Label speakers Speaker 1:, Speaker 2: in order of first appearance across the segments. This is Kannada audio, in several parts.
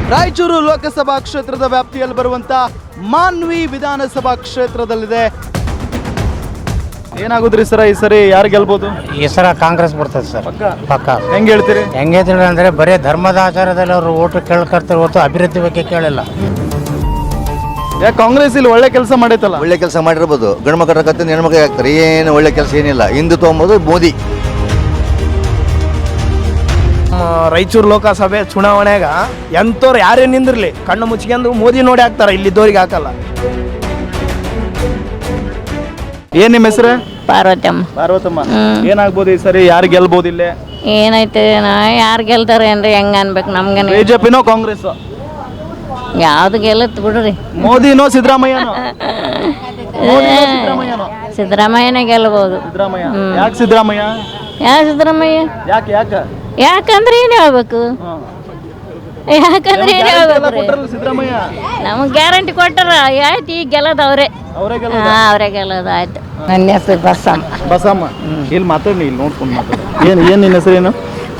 Speaker 1: ರಾಯಚೂರು ಲೋಕಸಭಾ ಕ್ಷೇತ್ರದ ವ್ಯಾಪ್ತಿಯಲ್ಲಿ ಬರುವಂತ ಮಾನ್ವಿ ವಿಧಾನಸಭಾ ಕ್ಷೇತ್ರದಲ್ಲಿದೆ. ಏನಾಗುದ್ರಿ ಸರ್ ಈ ಸರಿ ಯಾರು ಗೆಲ್ಬಹುದು?
Speaker 2: ಈ ಸಲ ಕಾಂಗ್ರೆಸ್ ಬರ್ತದೆ ಸರ್, ಪಕ್ಕ.
Speaker 1: ಹೆಂಗ್ ಹೇಳ್ತೀರಿ?
Speaker 2: ಹೆಂಗೆ ಅಂದ್ರೆ ಬರೀ ಧರ್ಮದ ಆಚಾರದಲ್ಲಿ ಅವರು ಓಟು ಕೇಳ್ಕರ್ತಾರೆ ಹೊತ್ತು ಅಭಿವೃದ್ಧಿ ಬಗ್ಗೆ ಕೇಳಿಲ್ಲ.
Speaker 1: ಯಾಕೆ ಕಾಂಗ್ರೆಸ್ ಇಲ್ಲಿ ಒಳ್ಳೆ ಕೆಲಸ ಮಾಡೈತಲ್ಲ?
Speaker 3: ಒಳ್ಳೆ ಕೆಲಸ ಮಾಡಿರ್ಬೋದು, ಗಂಡು ಮಕ್ಕಳ ಕತ್ತಿನ ಹೆಣ್ಮಕ್ಳಿಗೆ ಆಗ್ತಾರೆ. ಏನು ಒಳ್ಳೆ ಕೆಲಸ ಏನಿಲ್ಲ. ಹಿಂದುತ್ವ ಅಂಬೋದು ಮೋದಿ.
Speaker 4: ರಾಯಚೂರು ಲೋಕಸಭೆ ಚುನಾವಣೆಗ ಎಂತವ್ರು ಯಾರೇ ನಿಂದಿರ್ಲಿ ಕಣ್ಣು ಮುಚ್ಕೊಂಡು ಮೋದಿ ನೋಡಿ ಹಾಕ್ತಾರ, ಇಲ್ಲಿದ್ದವ್ರಿಗೆ ಹಾಕಲ್ಲ.
Speaker 1: ಏನ್ ನಿಮ್ಮ ಹೆಸರು?
Speaker 5: ಪಾರ್ವತಮ್ಮ.
Speaker 1: ಪಾರ್ವತಮ್ಮ, ಏನಾಗ್ಬೋದು ಈ ಸರಿ ಯಾರು ಗೆಲ್ಬಹುದು? ಇಲ್ಲೇ
Speaker 5: ಏನೈತೆ ಯಾರು ಗೆಲ್ತಾರೆ ಏನ್ರಿ, ಹೆಂಗ ಅನ್ಬೇಕು ನಮ್ಗೆ?
Speaker 1: ಬಿಜೆಪಿನೋ ಕಾಂಗ್ರೆಸ್?
Speaker 5: ಯಾವ್ದು ಗೆಲ್ಲತ್ ಬಿಡ್ರಿ.
Speaker 1: ಮೋದಿನೋ ಸಿದ್ದರಾಮಯ್ಯನೋ?
Speaker 5: ಸಿದ್ದರಾಮಯ್ಯನೇ ಗೆಲ್ಬಹುದು.
Speaker 1: ಸಿದ್ದರಾಮಯ್ಯ. ಯಾಕೆ ಸಿದ್ದರಾಮಯ್ಯ?
Speaker 5: ಯಾಕೆ ಸಿದ್ದರಾಮಯ್ಯ?
Speaker 1: ಯಾಕೆ
Speaker 5: ಯಾಕಂದ್ರೆ ಏನ್ ಹೇಳ್ಬೇಕು? ಯಾಕಂದ್ರೆ ಏನ್ ಹೇಳ್ಬೇಕು?
Speaker 1: ಸಿದ್ದರಾಮಯ್ಯ
Speaker 5: ನಮಗ್ ಗ್ಯಾರಂಟಿ ಕೊಟ್ಟಾರ, ಆಯ್ತು ಈಗ ಗೆಲ್ಲದ ಅವ್ರೆ. ಅವರೇ ಗೆಲ್ಲೋದು ಆಯ್ತು. ನನ್ನ ಹೆಸರು ಬಸಮ್ಮ.
Speaker 1: ಬಸಮ್ಮ, ಇಲ್ಲಿ ಮಾತಾಡಿ, ಇಲ್ಲಿ ನೋಡ್ಕೊಂಡು ಮಾತಾಡ. ಏನ್ ನಿನ್ನ ಹೆಸರೇನು?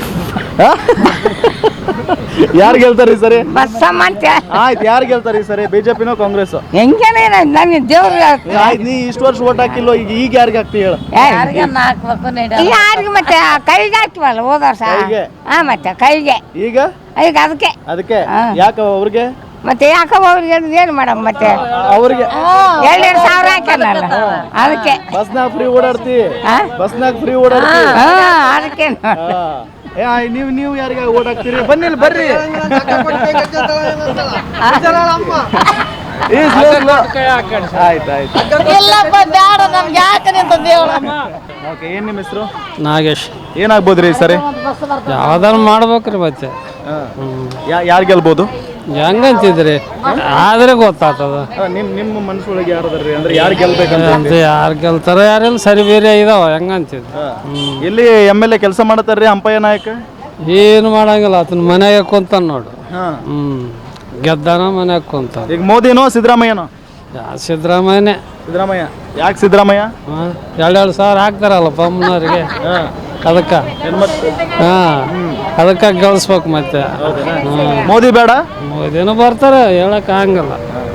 Speaker 1: ಯಾರು ಗೆಲ್ತಾರೆ ಈ ಸರಿ?
Speaker 6: ಬಸಮ್ಮ ಅಂತ.
Speaker 1: ಆಯ್ತು, ಯಾರು ಗೆಲ್ತಾರೆ ಈ ಸರಿ? ಬಿಜೆಪಿನೋ ಕಾಂಗ್ರೆಸ್?
Speaker 6: ಹೆಂಗೇನೆ ನಮ್ಗೆ ದೇವ್ರು
Speaker 1: ಆಯ್ತು, ನೀ ಇಷ್ಟು ವರ್ಷ ಓಟ್ ಹಾಕಿಲ್ಲೋ, ಈಗ ಯಾರಿಗೆ ಹಾಕ್ತಿ ಹೇಳು?
Speaker 6: ಯಾರಿಗೆ ಮತ್ತೆ ಕೈಗೆ ಹಾಕ್ತಿವಲ್ಲ ಹೋದ ವರ್ಷ. ಹಾ, ಮತ್ತೆ ಕೈಗೆ
Speaker 1: ಈಗ
Speaker 6: ಈಗ ಅದಕ್ಕೆ
Speaker 1: ಯಾಕ ಅವ್ರಿಗೆ?
Speaker 6: ಮತ್ತೆ ಯಾಕಮ್ಮ ಅವ್ರಿಗೆ ಏನು ಮಾಡಮ್ಮ? ಮತ್ತೆ
Speaker 1: ಅವ್ರಿಗೆ
Speaker 6: 2,000 ಹಾಕ್ಯಾನಲ್ಲ ಅದಕ್ಕೆ.
Speaker 1: ಬಸ್ನಾಗ ಫ್ರೀ ಓಡಾಡ್ತಿ? ಬಸ್ನಾಗ ಫ್ರೀ ಓಡಾಡ್ತಿ?
Speaker 6: ಅದಕ್ಕೆ
Speaker 1: ನೀವು ಯಾರಿಗೆ ಓಟ್ ಹಾಕ್ತೀರಿ? ಬನ್ನಿ ಇಲ್ಲಿ, ಬರ್ರಿ. ಏನ್ ನಿಮ್ಮ ಹೆಸರು?
Speaker 7: ನಾಗೇಶ್.
Speaker 1: ಏನಾಗ್ಬೋದ್ರಿ ಈ ಸರಿ?
Speaker 7: ಯಾವ್ದಾರು ಮಾಡ್ಬೇಕ್ರಿ ಮತ್ತೆ.
Speaker 1: ಯಾರು ಗೆಲ್ಬೋದು?
Speaker 7: ಹೆಂಗಂತಿದ್ರಿ ಆದ್ರೆ ಗೊತ್ತಾಗ್ತದ.
Speaker 1: ನಿಮ್ಮ ಮನಸ್ಸೊಳಗೆ ಯಾರದ್ರಿ? ಅಂದ್ರೆ ಯಾರು ಗೆಲ್ಬೇಕಂತ?
Speaker 7: ಯಾರು ಗೆಲ್ತಾರ ಯಾರೆಲ್ಲ ಸರಿ ಬೇರೆ ಇದಾವ ಹೆಂಗಂತಿದ್.
Speaker 1: ಎಲ್ಲಿ MLA ಕೆಲಸ ಮಾಡತಾರ್ರಿ ಅಂಪಯ್ಯ ನಾಯಕ?
Speaker 7: ಏನು ಮಾಡಂಗಿಲ್ಲ, ಆತನ ಮನ್ಯಾಗ ಕುಂತಾನ ನೋಡು. ಗೆದ್ದಾನ ಮನ್ಯಾಗ ಕುಂತ.
Speaker 1: ಈಗ ಮೋದಿನೋ ಸಿದ್ದರಾಮಯ್ಯನೋ?
Speaker 7: ಸಿದ್ದರಾಮಯ್ಯನೇ.
Speaker 1: ಸಿದ್ದರಾಮಯ್ಯ. ಯಾಕೆ ಸಿದ್ದರಾಮಯ್ಯ?
Speaker 7: 2,000 ಹಾಕ್ತಾರಲ್ಲ ಪಮ್ಮನವ್ರಿಗೆ, ಅದಕ್ಕೆ ಅದಕ್ಕೆ ಗಳಿಸ್ಬೇಕು ಮತ್ತೆ.
Speaker 1: ಮೋದಿ ಬೇಡ?
Speaker 7: ಮೋದಿನೂ ಬರ್ತಾರೆ, ಹೇಳಕ್ ಆಗಂಗಿಲ್ಲ.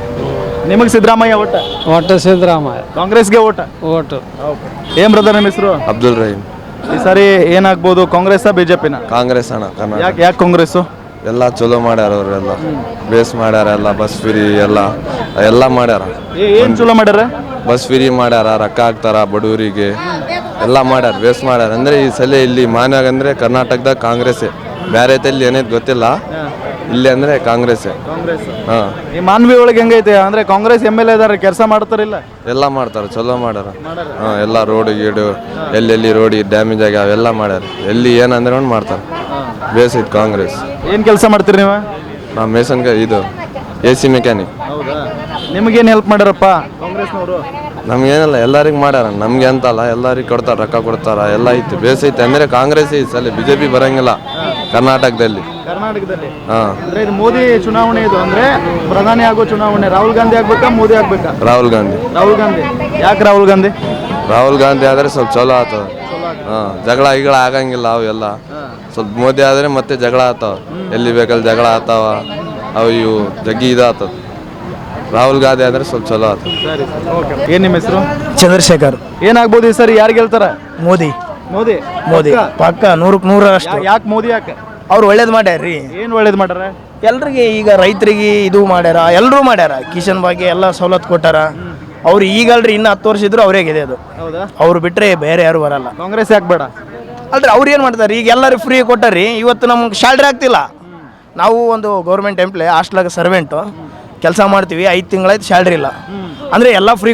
Speaker 1: ನಿಮಗೆ ಸಿದ್ದರಾಮಯ್ಯ ಓಟ?
Speaker 7: ಒಟ್ಟು ಸಿದ್ದರಾಮಯ್ಯ.
Speaker 1: ಕಾಂಗ್ರೆಸ್ಗೆ ಓಟ?
Speaker 7: ಓಟು.
Speaker 1: ಏನ್ ಬ್ರದರ್ ನಿಮ್ಮ ಹೆಸರು?
Speaker 8: ಅಬ್ದುಲ್ ರಹೀಮ್.
Speaker 1: ಈ ಸಾರಿ ಏನಾಗ್ಬೋದು, ಕಾಂಗ್ರೆಸ್ ಬಿಜೆಪಿನ?
Speaker 8: ಕಾಂಗ್ರೆಸ್ ಅಣ್ಣ.
Speaker 1: ಯಾಕೆ ಕಾಂಗ್ರೆಸ್?
Speaker 8: ಎಲ್ಲ ಚಲೋ ಮಾಡ್ಯಾರ, ಅವರೆಲ್ಲ ಬೇಸ್ ಮಾಡ್ಯಾರ, ಎಲ್ಲ ಬಸ್ ಫ್ರೀ ಎಲ್ಲ ಮಾಡ್ಯಾರ.
Speaker 1: ಏನ್ ಚಲೋ ಮಾಡ್ಯಾರ?
Speaker 8: ಬಸ್ ಫ್ರೀ ಮಾಡ್ಯಾರ, ರೊಕ್ಕ ಹಾಕ್ತಾರ ಬಡವರಿಗೆ, ಎಲ್ಲ ಮಾಡ್ಯಾರ, ಬೇಸ್ ಮಾಡ್ಯಾರ. ಅಂದ್ರೆ ಈ ಸಲ ಇಲ್ಲಿ ಮಾನ್ಯಾಗ ಅಂದ್ರೆ ಕರ್ನಾಟಕದಾಗ ಕಾಂಗ್ರೆಸ್ಸೇ, ಬೇರೆ ತಲ್ಲಿ ಏನೈತೆ ಗೊತ್ತಿಲ್ಲ, ಇಲ್ಲಿ ಅಂದ್ರೆ ಕಾಂಗ್ರೆಸ್ಸೇ.
Speaker 1: ಈ ಮಾನ್ವಿ ಒಳಗೆ ಹೆಂಗೈತೆ ಅಂದ್ರೆ ಕಾಂಗ್ರೆಸ್ MLA ಇದಾರೆ, ಕೆಲಸ ಮಾಡ್ತಾರಿಲ್ಲ?
Speaker 8: ಎಲ್ಲ ಮಾಡ್ತಾರ, ಚಲೋ ಮಾಡ್ಯಾರ. ಎಲ್ಲ ರೋಡ್ ಗೀಡು ಎಲ್ಲೆಲ್ಲಿ ರೋಡ್ ಡ್ಯಾಮೇಜ್ ಆಗ್ಯಾವ ಎಲ್ಲ ಮಾಡ್ಯಾರ. ಎಲ್ಲಿ ಏನಂದ್ರೆ ಒಂದು ಮಾಡ್ತಾರೆ, ಬೇಸ್ ಐತೆ ಕಾಂಗ್ರೆಸ್.
Speaker 1: ಏನ್ ಕೆಲಸ ಮಾಡ್ತೀರಿ ನೀವು?
Speaker 8: ನಾವು ಮೇಸನ್ ಇದು AC ಮೆಕ್ಯಾನಿಕ್.
Speaker 1: ಹೌದಾ? ನಿಮಗೇನು ಹೆಲ್ಪ್ ಮಾಡ್ಯಾರಪ್ಪ ಕಾಂಗ್ರೆಸ್ನವರು?
Speaker 8: ನಮ್ಗೇನಲ್ಲ, ಎಲ್ಲರಿಗೂ ಮಾಡ್ಯಾರ, ನಮ್ಗೆ ಅಂತಲ್ಲ, ಎಲ್ಲರಿಗೂ ಕೊಡ್ತಾರ, ರೊಕ್ಕ ಕೊಡ್ತಾರ, ಎಲ್ಲ ಐತಿ, ಬೇಸ್ ಐತೆ. ಅಂದ್ರೆ ಕಾಂಗ್ರೆಸ್ ಈ ಸಲ BJP ಬರಂಗಿಲ್ಲ ಕರ್ನಾಟಕದಲ್ಲಿ.
Speaker 1: ಅಂದ್ರೆ ಇದು ಮೋದಿ ಚುನಾವಣೆ, ಇದು ಅಂದ್ರೆ ಪ್ರಧಾನಿ ಆಗೋ ಚುನಾವಣೆ. ರಾಹುಲ್ ಗಾಂಧಿ ಆಗ್ಬೇಕಾ ಮೋದಿ ಆಗ್ಬೇಕಾ?
Speaker 8: ರಾಹುಲ್ ಗಾಂಧಿ.
Speaker 1: ರಾಹುಲ್ ಗಾಂಧಿ. ಯಾಕೆ ರಾಹುಲ್ ಗಾಂಧಿ?
Speaker 8: ರಾಹುಲ್ ಗಾಂಧಿ ಆದ್ರೆ ಸ್ವಲ್ಪ ಚಲೋ ಆತವ. ಜಗಳ ಆಗಂಗಿಲ್ಲ ಅವೆಲ್ಲ. ಸ್ವಲ್ಪ ಮೋದಿ ಆದ್ರೆ ಮತ್ತೆ ಜಗಳ ಆತಾವ, ಎಲ್ಲಿ ಬೇಕಲ್ಲಿ ಜಗಳ ಆತಾವ, ಅವು ಇವು ಜಗ್ಗಿ ಇದಾಗ್ತದ. ರಾಹುಲ್ ಗಾಂಧಿ ಆದ್ರೆ ಸ್ವಲ್ಪ ಚಲೋ ಆತ.
Speaker 1: ಏನ್ ನಿಮ್ಮ ಹೆಸರು?
Speaker 4: ಚಂದ್ರಶೇಖರ್.
Speaker 1: ಏನಾಗ್ಬೋದು ಈ ಸರಿ, ಯಾರು ಗೆಲ್ತಾರ?
Speaker 4: ಮೋದಿ.
Speaker 1: ಮೋದಿ
Speaker 4: ಪಕ್ಕ 100%
Speaker 1: ಯಾಕೆ ಮೋದಿ? ಯಾಕೆ
Speaker 4: ಅವ್ರು ಒಳ್ಳೇದು ಮಾಡ್ಯಾರ್ರಿ.
Speaker 1: ಏನ್ ಒಳ್ಳೇದು ಮಾಡ್ಯಾರ?
Speaker 4: ಎಲ್ರಿಗೆ ಈಗ ರೈತರಿಗೆ ಇದು ಮಾಡ್ಯಾರ, ಎಲ್ಲರೂ ಮಾಡ್ಯಾರ. ಕಿಶನ್ ಬಗ್ಗೆ ಎಲ್ಲ ಸವಲತ್ತು ಕೊಟ್ಟಾರ. ಅವ್ರು ಈಗಲ್ರಿ, ಇನ್ನು 10 ವರ್ಷ ಇದ್ರು ಅವರೇ ಗೆದೆ. ಅದು ಅವ್ರು ಬಿಟ್ರೆ ಬೇರೆ ಯಾರು ಬರಲ್ಲ.
Speaker 1: ಕಾಂಗ್ರೆಸ್ ಯಾಕೆ ಬೇಡ?
Speaker 4: ಅಲ್ರಿ ಅವ್ರು ಏನು ಮಾಡ್ತಾರೆ, ಈಗ ಎಲ್ಲರೂ ಫ್ರೀ ಕೊಟ್ಟಾರ್ರಿ. ಇವತ್ತು ನಮ್ಗೆ ಸ್ಯಾಲ್ರಿ ಆಗ್ತಿಲ್ಲ. ನಾವು ಒಂದು ಗೌರ್ಮೆಂಟ್ ಎಂಪ್ಲಾಯ್, ಹಾಸ್ಟ್ಲಾಗ ಸರ್ವೆಂಟು ಕೆಲಸ ಮಾಡ್ತೀವಿ, 5 ತಿಂಗಳಾಯ್ತು ಸ್ಯಾಲ್ರಿ ಇಲ್ಲ. ಅಂದರೆ ಎಲ್ಲ ಫ್ರೀ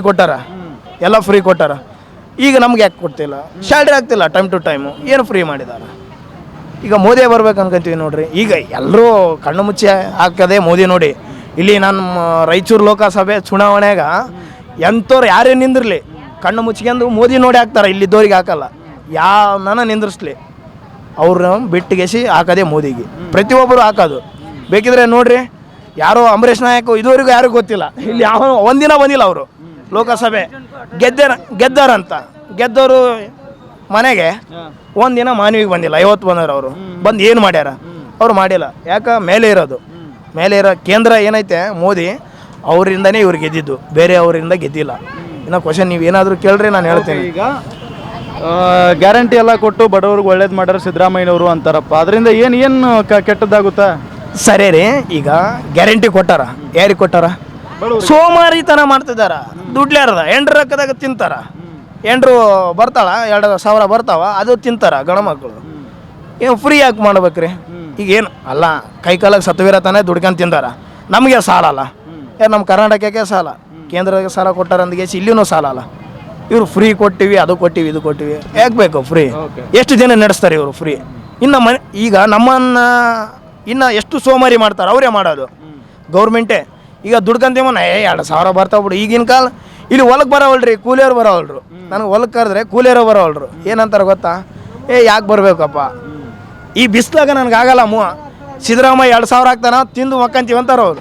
Speaker 4: ಕೊಟ್ಟಾರ. ಈಗ ನಮ್ಗೆ ಯಾಕೆ ಕೊಡ್ತಿಲ್ಲ? ಸ್ಯಾಲ್ರಿ ಆಗ್ತಿಲ್ಲ ಟೈಮ್ ಟು ಟೈಮು. ಏನು ಫ್ರೀ ಮಾಡಿದ್ದಾರೆ? ಈಗ ಮೋದಿಯೇ ಬರ್ಬೇಕು ಅನ್ಕೊಂತೀವಿ ನೋಡ್ರಿ. ಈಗ ಎಲ್ಲರೂ ಕಣ್ಣು ಮುಚ್ಚಿ ಹಾಕದೆ ಮೋದಿ ನೋಡಿ. ಇಲ್ಲಿ ನಮ್ಮ ರಾಯಚೂರು ಲೋಕಸಭೆ ಚುನಾವಣೆಗ ಎಂಥವ್ರು ಯಾರೇ ನಿಂದಿರ್ಲಿ ಕಣ್ಣು ಮುಚ್ಕೊಂಡು ಮೋದಿ ನೋಡಿ ಹಾಕ್ತಾರೆ, ಇಲ್ಲಿದ್ದವ್ರಿಗೆ ಹಾಕಲ್ಲ. ಯಾವನ್ನ ನಿಂದಿರಿಸ್ಲಿ ಅವ್ರನ್ನ ಬಿಟ್ಟಿಗೆಸಿ ಹಾಕೋದೇ ಮೋದಿಗೆ. ಪ್ರತಿಯೊಬ್ಬರು ಹಾಕೋದು. ಬೇಕಿದ್ರೆ ನೋಡ್ರಿ, ಯಾರೋ ಅಂಬರೀಷ್ ನಾಯಕ್ ಇದುವರೆಗೂ ಯಾರಿಗೂ ಗೊತ್ತಿಲ್ಲ. ಇಲ್ಲಿ ಯಾವ ಒಂದಿನ ಬಂದಿಲ್ಲ ಅವರು ಲೋಕಸಭೆ. ಗೆದ್ದಾರಂತ ಗೆದ್ದವರು ಮನೆಗೆ ಒಂದಿನ ಮಾನವಿಗೆ ಬಂದಿಲ್ಲ. 50 ಬಂದವರು. ಅವರು ಬಂದು ಏನು ಮಾಡ್ಯಾರ? ಅವ್ರು ಮಾಡಿಲ್ಲ. ಯಾಕೆ ಮೇಲೆ ಇರೋದು ಮೇಲೆ ಇರೋ ಕೇಂದ್ರ ಏನೈತೆ ಮೋದಿ ಅವರಿಂದನೇ ಇವ್ರು ಗೆದ್ದಿದ್ದು, ಬೇರೆ ಅವರಿಂದ ಗೆದ್ದಿಲ್ಲ. ಇನ್ನು ಕ್ವಶನ್ ನೀವು ಏನಾದರೂ ಕೇಳ್ರಿ ನಾನು ಹೇಳ್ತೇನೆ.
Speaker 1: ಈಗ ಗ್ಯಾರಂಟಿ ಎಲ್ಲ ಕೊಟ್ಟು ಬಡವ್ರಿಗೆ ಒಳ್ಳೇದು ಮಾಡ್ಯಾರ ಸಿದ್ದರಾಮಯ್ಯನವರು ಅಂತಾರಪ್ಪ, ಅದರಿಂದ ಏನು ಕೆಟ್ಟದ್ದಾಗುತ್ತಾ?
Speaker 4: ಸರಿ ರೀ, ಈಗ ಗ್ಯಾರಂಟಿ ಕೊಟ್ಟಾರ, ಯಾರಿಗೆ ಕೊಟ್ಟಾರ? ಸೋಮಾರಿತನ ಮಾಡ್ತಿದ್ದಾರ, ದುಡ್ಲಾರದ ಎಂಡ್ರ ರೊಕ್ಕದಾಗ ತಿಂತಾರ. ಎಂಡ್ರು ಬರ್ತಾಳ 2,000 ಬರ್ತಾವ, ಅದು ತಿಂತಾರ ಗಣ ಮಕ್ಕಳು. ಏನು ಫ್ರೀ ಯಾಕೆ ಮಾಡ್ಬೇಕ್ರಿ? ಈಗ ಏನು ಅಲ್ಲ, ಕೈ ಕಾಲಾಗ ಸತ್ವೀರ ತಾನೇ ದುಡ್ಕೊಂಡು ತಿಂತಾರ. ನಮಗೆ ಸಾಲ ಅಲ್ಲ, ಯಾರು ನಮ್ಮ ಕರ್ನಾಟಕಕ್ಕೆ ಸಾಲ, ಕೇಂದ್ರಕ್ಕೆ ಸಾಲ ಕೊಟ್ಟಾರ ಅಂದ್ಗೆ ಇಲ್ಲಿನೂ ಸಾಲ ಅಲ್ಲ. ಇವರು ಫ್ರೀ ಕೊಟ್ಟಿವಿ, ಅದು ಕೊಟ್ಟಿವಿ, ಇದು ಕೊಟ್ಟಿವಿ, ಯಾಕೆ ಬೇಕು ಫ್ರೀ? ಎಷ್ಟು ದಿನ ನಡೆಸ್ತಾರೆ ಇವರು ಫ್ರೀ? ಇನ್ನು ಈಗ ನಮ್ಮನ್ನು ಇನ್ನು ಎಷ್ಟು ಸೋಮಾರಿ ಮಾಡ್ತಾರೆ, ಅವರೇ ಮಾಡೋದು ಗೌರ್ಮೆಂಟೇ. ಈಗ ದುಡ್ಕಂತೀವನ್ನ 2,000 ಬರ್ತಾವ ಬಿಡು. ಈಗಿನ ಕಾಲ ಇಲ್ಲಿ ಹೊಲಕ್ಕೆ ಬರೋವಲ್ರಿ, ಕೂಲಿಯವ್ರು ಬರೋವಲ್ರು. ನನಗೆ ಹೊಲಕ್ಕೆ ಕರೆದ್ರೆ ಕೂಲಿಯವರು ಬರೋವಲ್ರು. ಏನಂತಾರೆ ಗೊತ್ತಾ? ಯಾಕೆ ಬರಬೇಕಪ್ಪ, ಈ ಬಿಸ್ಲಾಗ ನನಗಾಗಲ್ಲ ಸಿದ್ದರಾಮಯ್ಯ 2,000 ಹಾಕ್ತಾನ, ತಿಂದು ಮಕ್ಕಂತೀವಿ ಅಂತಾರೆ ಅವರು.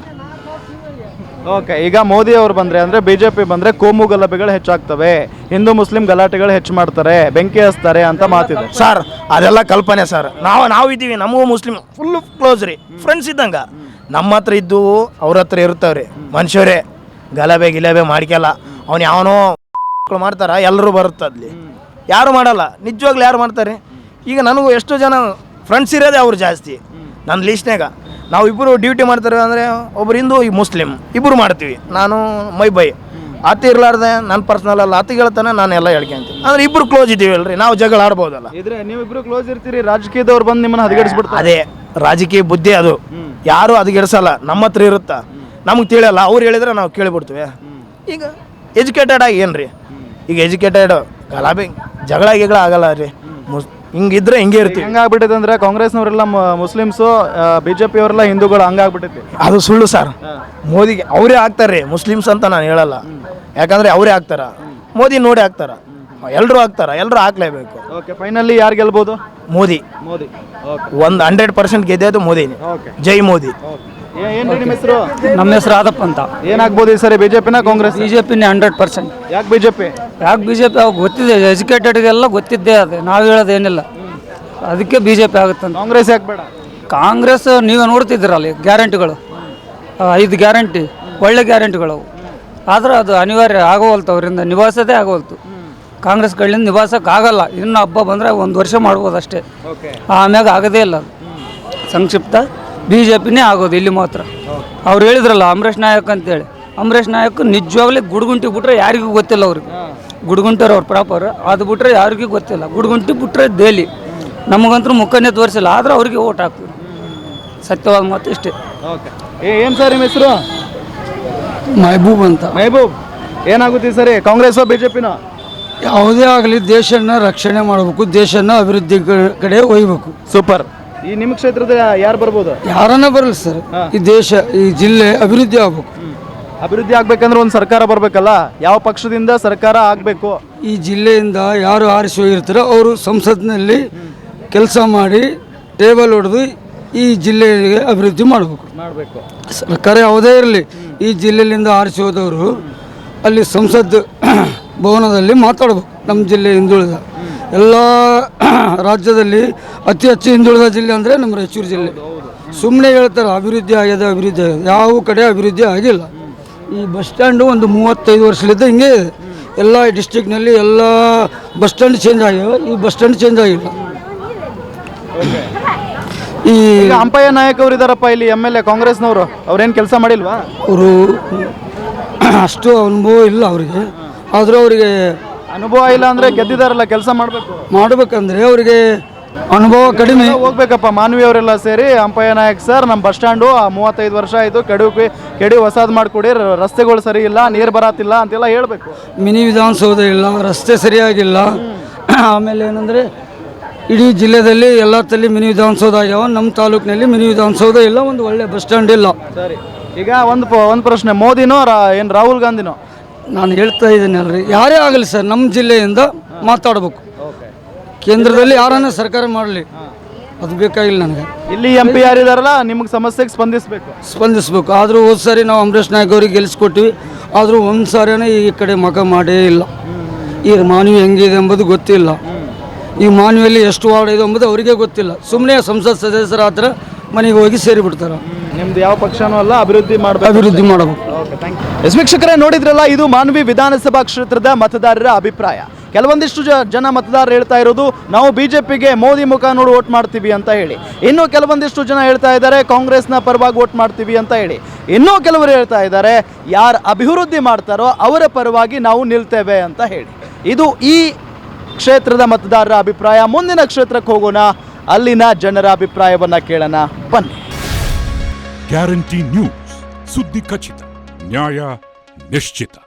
Speaker 1: ಓಕೆ, ಈಗ ಮೋದಿ ಅವರು ಬಂದರೆ ಅಂದರೆ BJP ಬಂದರೆ ಕೋಮು ಗಲಭೆಗಳು ಹೆಚ್ಚಾಗ್ತವೆ, ಹಿಂದೂ ಮುಸ್ಲಿಂ ಗಲಾಟೆಗಳು ಹೆಚ್ಚು ಮಾಡ್ತಾರೆ, ಬೆಂಕಿ ಹಚ್ತಾರೆ ಅಂತ ಮಾತಿದೆ.
Speaker 4: ಸರ್ ಅದೆಲ್ಲ ಕಲ್ಪನೆ ಸರ್. ನಾವು ಇದ್ದೀವಿ, ನಮಗೂ ಮುಸ್ಲಿಂ ಫುಲ್ ಕ್ಲೋಸ್ ರೀ, ಫ್ರೆಂಡ್ಸ್ ಇದ್ದಂಗೆ. ನಮ್ಮ ಹತ್ರ ಇದ್ದು ಅವ್ರ ಹತ್ರ ಇರ್ತಾವ್ರಿ ಮನುಷ್ಯರೇ. ಗಲಭೆ ಗಿಲಭೆ ಮಾಡ್ಕಲ್ಲ, ಅವ್ನು ಯಾವನೋ ಮಾಡ್ತಾರ, ಎಲ್ಲರೂ ಬರುತ್ತಲ್ಲಿ. ಯಾರು ಮಾಡಲ್ಲ, ನಿಜವಾಗ್ಲೂ ಯಾರು ಮಾಡ್ತಾರೆ? ಈಗ ನನಗೂ ಎಷ್ಟೋ ಜನ ಫ್ರೆಂಡ್ಸ್ ಇರೋದೇ ಅವ್ರು ಜಾಸ್ತಿ ನನ್ನ ಲೀಸ್ಟ್ನಾಗ. ನಾವು ಇಬ್ಬರು ಡ್ಯೂಟಿ ಮಾಡ್ತಾರೆ ಅಂದರೆ ಒಬ್ರು ಹಿಂದೂ, ಈ ಮುಸ್ಲಿಂ ಇಬ್ಬರು ಮಾಡ್ತೀವಿ. ನಾನು ಬೈ ಆತ ಇರಲಾರ್ದೆ ನನ್ನ ಪರ್ಸ್ನಲ್ ಅಲ್ಲ, ಆತ ಹೇಳ್ತಾನೆ ನಾನು ಎಲ್ಲ ಹೇಳ್ಕೊಂತೀನಿ. ಅಂದರೆ ಇಬ್ಬರು ಕ್ಲೋಸ್ ಇದ್ದೀವಿ ಅಲ್ರಿ, ನಾವು ಜಗಳ ಆಡ್ಬೋದಲ್ಲ.
Speaker 1: ಇದ್ರೆ ನೀವಿಬ್ರು ಕ್ಲೋಸ್ ಇರ್ತೀರಿ, ರಾಜಕೀಯದವ್ರು ಬಂದು ನಿಮ್ಮನ್ನ ಹದಗೆಡಿಸ್ಬಿಡ್ತಾರೆ.
Speaker 4: ಅದೇ ರಾಜಕೀಯ ಬುದ್ಧಿ ಅದು, ಯಾರು ಹದಗೆಡಿಸಲ್ಲ, ನಮ್ಮ ಹತ್ರ ಇರುತ್ತಾ, ನಮ್ಗೆ ತಿಳಿಯಲ್ಲ, ಅವ್ರು ಹೇಳಿದ್ರೆ ನಾವು ಕೇಳಿಬಿಡ್ತೀವಿ. ಈಗ ಎಜುಕೇಟೆಡ್ ಆಗಿ ಏನು ರೀ, ಈಗ ಎಜುಕೇಟೆಡ್ ಗಲಾಬೆ ಜಗಳ ಗಿಗಳ ಆಗಲ್ಲ ರೀ. ಹಿಂಗಿದ್ರೆ ಹಿಂಗೆ ಇರ್ತೀವಿ.
Speaker 1: ಹಂಗಾಗ್ಬಿಟ್ಟೈತೆ ಅಂದ್ರೆ ಕಾಂಗ್ರೆಸ್ನವರೆಲ್ಲ ಮುಸ್ಲಿಮ್ಸು, BJP ಅವರೆಲ್ಲ ಹಿಂದೂಗಳು, ಹಂಗಾಗ್ಬಿಟ್ಟೈತಿ.
Speaker 4: ಅದು ಸುಳ್ಳು ಸರ್. ಮೋದಿಗೆ ಅವರೇ ಆಗ್ತಾರೆ ಮುಸ್ಲಿಮ್ಸ್ ಅಂತ ನಾನು ಹೇಳಲ್ಲ, ಯಾಕಂದರೆ ಅವರೇ ಆಗ್ತಾರ, ಮೋದಿ ನೋಡಿ ಆಗ್ತಾರ, ಎಲ್ಲರೂ ಆಗ್ತಾರ, ಎಲ್ಲರೂ ಹಾಕ್ಲೇಬೇಕು.
Speaker 1: ಓಕೆ, ಫೈನಲಿ ಯಾರು ಗೆಲ್ಬೋದು?
Speaker 4: ಮೋದಿ.
Speaker 1: ಮೋದಿ.
Speaker 4: ಒಂದು 100% ಗೆದ್ದೋದು ಮೋದಿನೇ. ಜೈ ಮೋದಿ.
Speaker 1: ಏನು ನಿಮ್ಮ ಹೆಸರು?
Speaker 7: ನಮ್ಮ ಹೆಸರು ಆದಪ್ಪ ಅಂತ.
Speaker 1: ಏನಾಗ್ಬೋದು ಈ ಸರಿ, BJPನ ಕಾಂಗ್ರೆಸ್?
Speaker 7: BJPನೇ 100%.
Speaker 1: ಯಾಕೆ BJP?
Speaker 7: ಯಾಕೆ BJP? ಅವಾಗ ಗೊತ್ತಿದೆ, ಎಜುಕೇಟೆಡ್ಗೆಲ್ಲ ಗೊತ್ತಿದ್ದೇ ಅದು, ನಾವು ಹೇಳೋದೇನಿಲ್ಲ, ಅದಕ್ಕೆ BJP ಆಗುತ್ತಂತ.
Speaker 1: ಕಾಂಗ್ರೆಸ್ ಯಾಕೆ ಬೇಡ?
Speaker 7: ಕಾಂಗ್ರೆಸ್ ನೀವೇ ನೋಡ್ತಿದ್ದೀರಲ್ಲ, ಗ್ಯಾರಂಟಿಗಳು 5 ಗ್ಯಾರಂಟಿ ಒಳ್ಳೆ ಗ್ಯಾರಂಟಿಗಳು ಅವು, ಆದ್ರೆ ಅದು ಅನಿವಾರ್ಯ ಆಗೋವಲ್ತು, ಅವರಿಂದ ನಿಭಾಯಿಸೋದೇ ಆಗೋವಲ್ತು. ಕಾಂಗ್ರೆಸ್ ಕಡೆಯಿಂದ ನಿಭಾಯಿಸೋಕೆ ಆಗಲ್ಲ. ಇನ್ನು ಹಬ್ಬ ಬಂದರೆ 1 ವರ್ಷ ಮಾಡ್ಬೋದು ಅಷ್ಟೇ, ಆಮ್ಯಾಗ ಆಗೋದೇ ಇಲ್ಲ ಅದು. ಸಂಕ್ಷಿಪ್ತ BJPನೇ ಆಗೋದು ಇಲ್ಲಿ ಮಾತ್ರ. ಅವ್ರು ಹೇಳಿದ್ರಲ್ಲ ಅಂಬರೀಷ್ ನಾಯಕ್ ಅಂತೇಳಿ, ಅಂಬರೀಷ್ ನಾಯಕ್ ನಿಜವಾಗ್ಲೂ ಗುಡ್ಗುಂಟಿ ಬಿಟ್ರೆ ಯಾರಿಗೂ ಗೊತ್ತಿಲ್ಲ ಅವ್ರಿಗೆ. ಗುಡ್ಗುಂಟರು ಅವ್ರು ಪ್ರಾಪರ್, ಅದು ಬಿಟ್ರೆ ಯಾರಿಗೂ ಗೊತ್ತಿಲ್ಲ. ಗುಡ್ಗುಂಟಿ ಬಿಟ್ರೆ ಡೈಲಿ ನಮಗಂತೂ ಮುಖನೇ ತೋರಿಸಿಲ್ಲ, ಆದ್ರೆ ಅವ್ರಿಗೆ ಓಟ್ ಹಾಕ್ತೀವಿ. ಸತ್ಯವಾದ ಮಾತು ಇಷ್ಟೇ.
Speaker 1: ಓಕೆ, ಏನು ಸರ್ ನಿಮ್ಮ ಹೆಸರು?
Speaker 7: ಮೆಹಬೂಬ್ ಅಂತ.
Speaker 1: ಮೆಹಬೂಬ್, ಏನಾಗುತ್ತೆ ಈ ಸರಿ, ಕಾಂಗ್ರೆಸ್ BJPನ?
Speaker 7: ಯಾವುದೇ ಆಗಲಿ ದೇಶನ ರಕ್ಷಣೆ ಮಾಡಬೇಕು, ದೇಶನ ಅಭಿವೃದ್ಧಿ ಕಡೆ ಒಯ್ಯಬೇಕು.
Speaker 1: ಸೂಪರ್. ಈ ನಿಮ್ಮ ಕ್ಷೇತ್ರದ ಯಾರು ಬರ್ಬೋದು?
Speaker 7: ಯಾರನ್ನ ಬರಲಿ ಸರ್, ಈ ದೇಶ ಈ ಜಿಲ್ಲೆ ಅಭಿವೃದ್ಧಿ ಆಗ್ಬೇಕು.
Speaker 1: ಅಭಿವೃದ್ಧಿ ಆಗ್ಬೇಕಂದ್ರೆ ಒಂದು ಸರ್ಕಾರ ಬರಬೇಕಲ್ಲ, ಯಾವ ಪಕ್ಷದಿಂದ ಸರ್ಕಾರ ಆಗಬೇಕು?
Speaker 7: ಈ ಜಿಲ್ಲೆಯಿಂದ ಯಾರು ಆರಿಸಿ ಹೋಗಿರ್ತಾರೋ ಅವರು ಸಂಸತ್ನಲ್ಲಿ ಕೆಲಸ ಮಾಡಿ ಟೇಬಲ್ ಹೊಡೆದು ಈ ಜಿಲ್ಲೆಗೆ ಅಭಿವೃದ್ಧಿ ಮಾಡಬೇಕು. ಸರ್ಕಾರ ಯಾವುದೇ ಇರಲಿ, ಈ ಜಿಲ್ಲೆಯಿಂದ ಆರಿಸಿ ಹೋದವರು ಅಲ್ಲಿ ಸಂಸತ್ ಭವನದಲ್ಲಿ ಮಾತಾಡಬೇಕು. ನಮ್ಮ ಜಿಲ್ಲೆ ಹಿಂದುಳಿದ ಎಲ್ಲ ರಾಜ್ಯದಲ್ಲಿ ಅತಿ ಹೆಚ್ಚು ಹಿಂದುಳಿದ ಜಿಲ್ಲೆ ಅಂದರೆ ನಮ್ಮ ರಾಯಚೂರು ಜಿಲ್ಲೆ. ಸುಮ್ಮನೆ ಹೇಳ್ತಾರೆ ಅಭಿವೃದ್ಧಿ ಆಗಿದೆ, ಅಭಿವೃದ್ಧಿ ಆಗಿದೆ, ಯಾವ ಕಡೆ ಅಭಿವೃದ್ಧಿ ಆಗಿಲ್ಲ. ಈ ಬಸ್ ಸ್ಟ್ಯಾಂಡು ಒಂದು 35 ವರ್ಷದಿಂದ ಹಿಂಗೆ ಇದೆ. ಎಲ್ಲ ಡಿಸ್ಟ್ರಿಕ್ನಲ್ಲಿ ಎಲ್ಲ ಬಸ್ ಸ್ಟ್ಯಾಂಡ್ ಚೇಂಜ್ ಆಗಿವೆ, ಈ ಬಸ್ ಸ್ಟ್ಯಾಂಡ್ ಚೇಂಜ್ ಆಗಿಲ್ಲ. ಈ
Speaker 1: ಅಂಪಯ್ಯ ನಾಯಕ್ ಅವರು ಇದಾರಪ್ಪ ಇಲ್ಲಿ MLA ಕಾಂಗ್ರೆಸ್ನವರು, ಅವ್ರೇನು ಕೆಲಸ ಮಾಡಿಲ್ವಾ?
Speaker 7: ಅವರು ಅಷ್ಟು ಅನುಭವ ಇಲ್ಲ ಅವರಿಗೆ, ಆದರೂ ಅವರಿಗೆ
Speaker 1: ಅನುಭವ ಇಲ್ಲ ಅಂದರೆ ಗೆದ್ದಿದಾರಲ್ಲ, ಕೆಲಸ
Speaker 7: ಮಾಡಬೇಕಂದ್ರೆ ಅವರಿಗೆ ಅನುಭವ ಕಡಿಮೆ.
Speaker 1: ಹೋಗ್ಬೇಕಪ್ಪ ಮಾನವಿ ಅವರೆಲ್ಲ ಸೇರಿ, ಅಂಪಯ್ಯ ನಾಯಕ್ ಸರ್ ನಮ್ಮ ಬಸ್ ಸ್ಟ್ಯಾಂಡು 35 ವರ್ಷ ಆಯಿತು, ಕೆಡಿ ಹೊಸಾದ್ ಮಾಡಿಕೊಡಿ, ರಸ್ತೆಗಳು ಸರಿ ಇಲ್ಲ, ನೀರು ಬರತ್ತಿಲ್ಲ ಅಂತೆಲ್ಲ ಹೇಳಬೇಕು.
Speaker 7: ಮಿನಿ ವಿಧಾನಸೌಧ ಇಲ್ಲ, ರಸ್ತೆ ಸರಿಯಾಗಿಲ್ಲ. ಆಮೇಲೆ ಏನಂದರೆ ಇಡೀ ಜಿಲ್ಲೆಯಲ್ಲಿ ಎಲ್ಲ ತಲ್ಲಿ ಮಿನಿ ವಿಧಾನಸೌಧ ಆಗ್ಯಾವ, ನಮ್ಮ ತಾಲೂಕಿನಲ್ಲಿ ಮಿನಿ ವಿಧಾನಸೌಧ ಇಲ್ಲ, ಒಂದು ಒಳ್ಳೆ ಬಸ್ ಸ್ಟ್ಯಾಂಡ್ ಇಲ್ಲ.
Speaker 1: ಸರಿ, ಈಗ ಒಂದು ಪ್ರಶ್ನೆ, ಮೋದಿನೋ ಏನು ರಾಹುಲ್ ಗಾಂಧಿನೋ?
Speaker 7: ನಾನು ಹೇಳ್ತಾ ಇದ್ದೀನಿ ಅಲ್ರಿ, ಯಾರೇ ಆಗಲಿ ಸರ್, ನಮ್ಮ ಜಿಲ್ಲೆಯಿಂದ ಮಾತಾಡಬೇಕು. ಕೇಂದ್ರದಲ್ಲಿ ಯಾರನ್ನ ಸರ್ಕಾರ ಮಾಡಲಿ, ಅದು ಬೇಕಾಗಿಲ್ಲ ನನಗೆ.
Speaker 1: ಇಲ್ಲಿ MP ಯಾರಿದಾರಲ್ಲ ನಿಮಗೆ ಸಮಸ್ಯೆಗೆ
Speaker 7: ಸ್ಪಂದಿಸಬೇಕು. ಆದರೂ ಹೋದ ಸಾರಿ ನಾವು ಅಂಬರೀಷ್ ನಾಯಕ್ ಅವ್ರಿಗೆ ಗೆಲ್ಲಿಸ್ಕೊಟ್ಟಿವಿ, ಆದರೂ ಒಂದು ಸಾರಿನೇ ಈ ಕಡೆ ಮಗ ಮಾಡೇ ಇಲ್ಲ. ಈ ಮಾನವಿ ಹೆಂಗಿದೆ ಎಂಬುದು ಗೊತ್ತಿಲ್ಲ, ಈ ಮಾನವಿಯಲ್ಲಿ ಎಷ್ಟು ವಾರ್ಡ್ ಇದೆ ಎಂಬುದು ಅವರಿಗೆ ಗೊತ್ತಿಲ್ಲ. ಸುಮ್ಮನೆ ಸಂಸತ್ ಸದಸ್ಯರ ಹತ್ರ ಮನೆಗೆ ಹೋಗಿ ಸೇರಿಬಿಡ್ತಾರೆ.
Speaker 1: ನಿಮ್ದು ಯಾವ ಪಕ್ಷನೂ ಅಲ್ಲ, ಅಭಿವೃದ್ಧಿ ಮಾಡಬೇಕು.
Speaker 7: ಅಭಿವೃದ್ಧಿ ಮಾಡಬೇಕು.
Speaker 1: ವೀಕ್ಷಕರೇ, ನೋಡಿದ್ರಲ್ಲ, ಇದು ಮಾನ್ವಿ ವಿಧಾನಸಭಾ ಕ್ಷೇತ್ರದ ಮತದಾರರ ಅಭಿಪ್ರಾಯ. ಕೆಲವೊಂದಿಷ್ಟು ಜನ ಮತದಾರರು ಹೇಳ್ತಾ ಇರೋದು ನಾವು ಬಿಜೆಪಿಗೆ ಮೋದಿ ಮುಖ ನೋಡಿ ವೋಟ್ ಮಾಡ್ತೀವಿ ಅಂತ ಹೇಳಿ. ಇನ್ನು ಕೆಲವೊಂದಿಷ್ಟು ಜನ ಹೇಳ್ತಾ ಇದ್ದಾರೆ ಕಾಂಗ್ರೆಸ್ನ ಪರವಾಗಿ ವೋಟ್ ಮಾಡ್ತೀವಿ ಅಂತ ಹೇಳಿ. ಇನ್ನೂ ಕೆಲವರು ಹೇಳ್ತಾ ಇದ್ದಾರೆ ಯಾರು ಅಭಿವೃದ್ಧಿ ಮಾಡ್ತಾರೋ ಅವರ ಪರವಾಗಿ ನಾವು ನಿಲ್ತೇವೆ ಅಂತ ಹೇಳಿ. ಇದು ಈ ಕ್ಷೇತ್ರದ ಮತದಾರರ ಅಭಿಪ್ರಾಯ. ಮುಂದಿನ ಕ್ಷೇತ್ರಕ್ಕೆ ಹೋಗೋಣ, ಅಲ್ಲಿನ ಜನರ ಅಭಿಪ್ರಾಯವನ್ನ ಕೇಳೋಣ ಬನ್ನಿ.
Speaker 9: ಗ್ಯಾರಂಟಿ ನ್ಯೂಸ್, ಸುದ್ದಿ ಖಚಿತ, ನ್ಯಾಯ ನಿಶ್ಚಿತ.